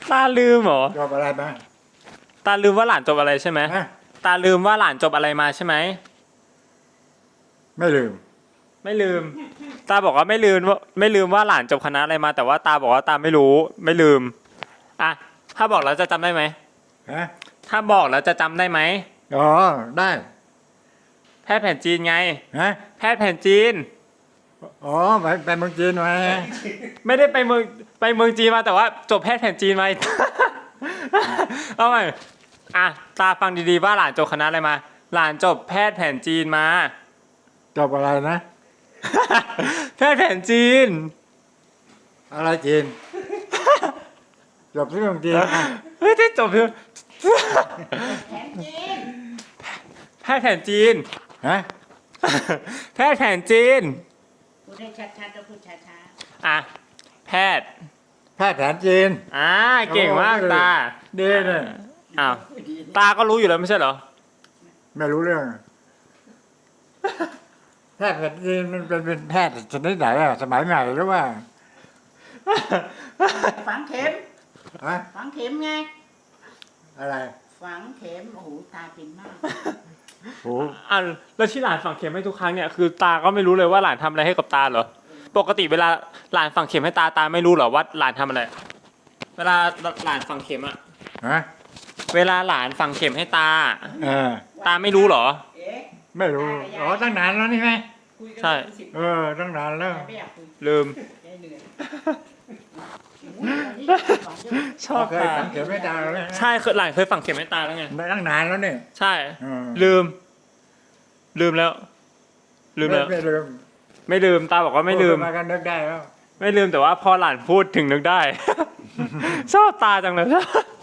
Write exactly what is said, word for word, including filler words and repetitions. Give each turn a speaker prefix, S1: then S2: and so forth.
S1: ตาลืมเหรอ
S2: จบอะไรมา
S1: ตาลืมว่าหลานจบอะไรใช่ไหม
S2: ฮะ
S1: ตาลืมว่าหลานจบอะไรมาใช่ไหม
S2: ไม่ลืม
S1: ไม่ลืม ตาบอกว่าไม่ลืมว่าไม่ลืมว่าหลานจบคณะอะไรมา แต่ว่าตาบอกว่าตาไม่รู้ไม่ลืมอ่ะถ้าบอกแล้วจะจำได้ไหม
S2: ฮะ
S1: ถ้าบอกแล้วจะจำได้ไหม
S2: อ๋อได้
S1: แพทย์แผนจีนไง
S2: ฮะ
S1: แพทย์แผนจีน
S2: อ๋อไปไปเมืองจีนมา
S1: ไม่ได้ไปเมืองไปเมืองจีนมาแต่ว่าจบแพทย์แผนจีนมา เอาใหม่อ่ะตาฟังดีๆว่าหลานจบคณะอะไรมา หลานจบแพทย์แผนจีนมา
S2: จบอะไรนะ
S1: แพทย์แผนจีน
S2: อะไรจีน จบที่เมืองจีนอ่ะ
S1: เฮ้ยที่จบคือ
S3: แผนจีน
S1: แพทย์แผนจีน
S2: ฮะ
S1: แพทย์แผนจีน
S3: พูดให้ชัดๆแล้วพูดช้า
S1: อ่ะแพทย์
S2: แพทย์แผนจีน
S1: อ่าเก่งมากตา
S2: ดีเนี่ย
S1: อ้าวตาก็รู้อยู่แล้วไม่ใช่เหรอ
S2: ไม่รู้เรื่อง แพทย์แผนจีนมันเป็นเป็นแพทย์ชนิดไหนอะสมัยใหม่หรือว่า
S3: ๆฝังเข็ม
S2: ฮะ
S3: ฝังเข็มไง
S2: อะไร
S3: ฝังเข็มโอ้โหตาเป็นมาก
S2: โอ้
S1: อ่ะแล้วที่หลานฝังเข็มให้ทุกครั้งเนี่ยคือตาก็ไม่รู้เลยว่าหลานทำอะไรให้กับตาเหรอปกติเวลาหลานฝังเข็มให้ตาตาไม่รู้เหรอว่าหลานทำอะไร เวลาหลานฝังเข็มอะ
S2: ฮะ
S1: เวลาหลานฝังเข็มให้ตา
S2: เออ
S1: ตาไม่รู้เหรอ
S3: เอ๊ะ
S2: ไม่รู้ อ๋อ ตั้งนานแล้วนี่ไหม
S3: คุยกัน
S1: ใช่
S3: เป็นสิบ
S2: เออ ตั้งนานแล้ว
S3: แต่ไม่อยากคุย
S1: ลืม
S3: ใจเหนื่อยโอ้โหวันนี้สองเดือน
S1: ชอบ
S2: เคย
S1: ตา
S2: สังเกตไม่ได้เลย
S1: ใช่เคยหลานเคยฝังเข็มให้ตาแล้วไง
S2: ไม่ตั้งนานแล้วเนี่ย
S1: ใช่
S2: เออ
S1: ลืม ลืมแล้ว ลืมแล้ว
S2: ไม่ลืม
S1: ไม่ลืมตาบอกว่าไม่ลืม
S2: พูดมากันนึกได้แล้ว
S1: ไม่ลืมแต่ว่าพอหลานพูดถึงนึกได้ ชอบตาจังเลย